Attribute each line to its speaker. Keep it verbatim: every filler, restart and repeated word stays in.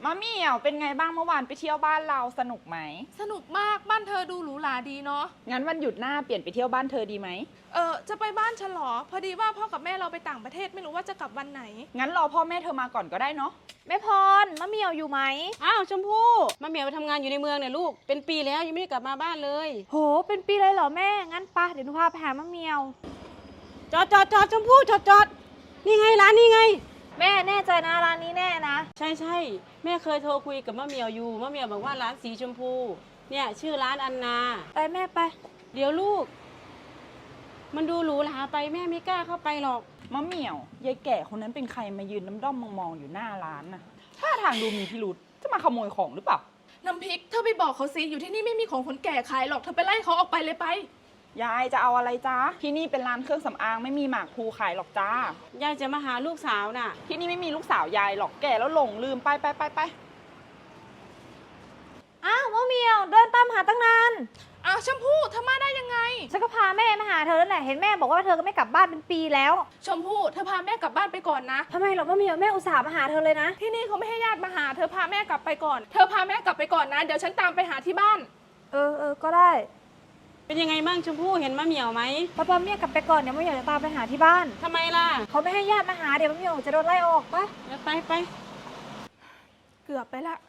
Speaker 1: มะเหมี่ยวเป็นไงบ้างเมื่อวานไปเที่ยวบ้านเราสนุกไหม
Speaker 2: สนุกมากบ้านเธอดูหรูหราดีเนาะ
Speaker 1: งั้นวันหยุดหน้าเปลี่ยนไปเที่ยวบ้านเธอดีไหม
Speaker 2: เออจะไปบ้านฉันเหรอพอดีว่าพ่อกับแม่เราไปต่างประเทศไม่รู้ว่าจะกลับวันไหน
Speaker 1: งั้นรอพ่อแม่เธอมาก่อนก็ได้เนาะ
Speaker 3: แม่พรมะเหมี่ยวอยู่ไหม
Speaker 4: อ้าวชมพู่มะเหมียวไปทำงานอยู่ในเมืองเนี่ยลูกเป็นปีแล้วยังไม่ได้กลับมาบ้านเลย
Speaker 3: โหเป็นปีเลยเหรอแม่งั้นปะเดี๋ยวหนูพาไปหามะเหมี่ยว
Speaker 4: จอดจอดจอดชมพู่จอดจอดนี่ไงร้านนี่ไง
Speaker 3: แม่แน่ใจนะร้านนี้แน่นะ
Speaker 4: ใช่ใช่แม่เคยโทรคุยกับมะเหมียวอยู่มะเหมียวบอกว่าร้านสีชมพูเนี่ยชื่อร้านอันนา
Speaker 3: ไปแม่ไป
Speaker 4: เดี๋ยวลูกมันดูหรูหราไปแม่ไม่กล้าเข้าไปหรอก
Speaker 1: มะเหมี่ยวยายแก่คนนั้นเป็นใครมายืนน้ำด้อมมองๆอยู่หน้าร้านน่ะท่าทางดูมีพิรุษจะมาขโมยของหรือเปล่า
Speaker 2: น้ำพริกเธอไปบอกเขาสิอยู่ที่นี่ไม่มีของคนแก่ขายหรอกเธอไปไล่เขาออกไปเลยไป
Speaker 1: ยายจะเอาอะไรจ้าที่นี่เป็นร้านเครื่องสำอางไม่มีหมากพลูขายหรอกจ้าย
Speaker 4: ายจะมาหาลูกสาวน่ะ
Speaker 1: ที่นี่ไม่มีลูกสาวยายหรอกแก่แล้วหลงลืมไปไปไปไป
Speaker 3: อ้าวมะเหมี่ยวเดินตามหาตั้งนาน
Speaker 2: อ้าวชมพู่เธอมาได้ยังไง
Speaker 3: ฉันก็พาแม่มาหาเธอแล้วแหละเห็นแม่บอกว่าเธอก็ไม่กลับบ้านเป็นปีแล้ว
Speaker 2: ชมพู่เธอพาแม่กลับบ้านไปก่อนนะ
Speaker 3: ทำไมหรอมะเหมี่ยวแม่อุตส่าห์มาหาเธอเลยนะ
Speaker 2: ที่นี่เขาไม่ให้ญาติมาหาเธอพาแม่กลับไปก่อนเธอพาแม่กลับไปก่อนนะเดี๋ยวฉันตามไปหาที่บ้าน
Speaker 3: เออเออก็ได้
Speaker 4: เป็นยังไงบ้างชมพู่เห็นมะเหมียวไหม
Speaker 3: ป้าป้าเมียกลับไปก่อนเดี๋ยวมะเหมี่ยวจะตามไปหาที่บ้าน
Speaker 4: ทำไมล่ะ
Speaker 3: เขาไม่ให้ญาติมาหาเดี๋ยวมะเหมี่ยวจะโดนไล่ออกปะ
Speaker 4: ไปไป
Speaker 2: เกือบไปละ